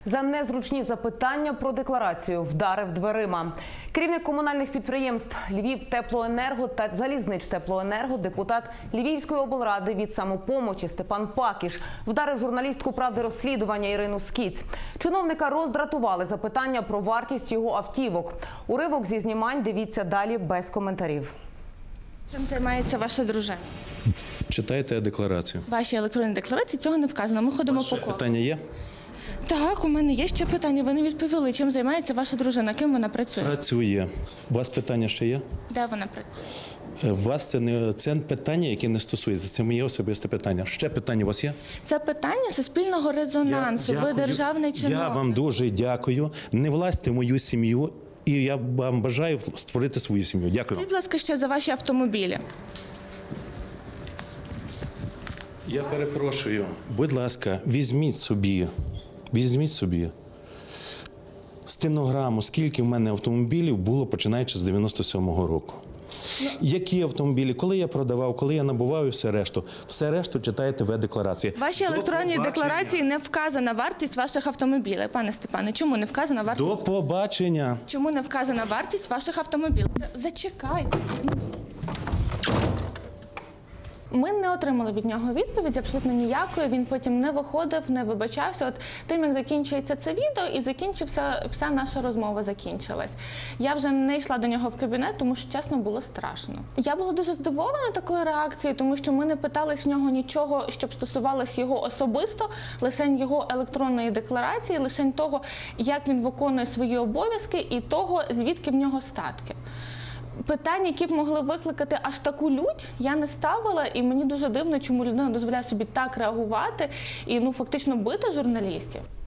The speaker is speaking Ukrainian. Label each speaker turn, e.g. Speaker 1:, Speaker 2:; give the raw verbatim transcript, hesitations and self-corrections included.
Speaker 1: За незручні запитання про декларацію вдарив дверима. Керівник комунальних підприємств «Львівтеплоенерго» та «Залізничтеплоенерго», депутат Львівської облради від «Самопомочі» Степан Пакіш вдарив журналістку «Правди розслідування» Ірину Скіць. Чиновника роздратували запитання про вартість його автівок. Уривок зі знімань дивіться далі без коментарів.
Speaker 2: Чим займається ваша дружина?
Speaker 3: Читайте декларацію.
Speaker 2: В вашій електронній декларації цього не вказано. Ми ходимо по колу.
Speaker 3: Питання є?
Speaker 2: Так, у мене є ще питання. Ви не відповіли, чим займається ваша дружина, ким вона працює?
Speaker 3: Працює. У вас питання ще є?
Speaker 2: Де вона працює?
Speaker 3: У вас це не це питання, яке не стосується. Це моє особисте питання. Ще питання у вас є?
Speaker 2: Це питання суспільного резонансу.
Speaker 3: Я
Speaker 2: Ви
Speaker 3: дякую.
Speaker 2: державний чиновник.
Speaker 3: Я вам дуже дякую. Не влазьте в мою сім'ю. І я вам бажаю створити свою сім'ю. Дякую.
Speaker 2: Будь ласка, ще за ваші автомобілі.
Speaker 3: Я перепрошую. Будь ласка, візьміть собі, візьміть собі стенограму, скільки в мене автомобілів було, починаючи з дев'яносто сьомого року. Які автомобілі, коли я продавав, коли я набував і все решту. Все решту читаєте в е-декларації.
Speaker 2: В вашій електронній декларації не вказана вартість ваших автомобілів. Пане Степане, чому не вказана вартість?
Speaker 3: До побачення.
Speaker 2: Чому не вказана вартість ваших автомобілів? Зачекайте. Ми не отримали від нього відповіді, абсолютно ніякої. Він потім не виходив, не вибачався. От тим, як закінчується це відео, і закінчився, вся наша розмова закінчилась. Я вже не йшла до нього в кабінет, тому що, чесно, було страшно. Я була дуже здивована такою реакцією, тому що ми не питались в нього нічого, щоб стосувалось його особисто, лише його електронної декларації, лише того, як він виконує свої обов'язки і того, звідки в нього статки. Питань, які б могли викликати аж таку лють, я не ставила, і мені дуже дивно, чому людина дозволяє собі так реагувати і ну, фактично бити журналістів.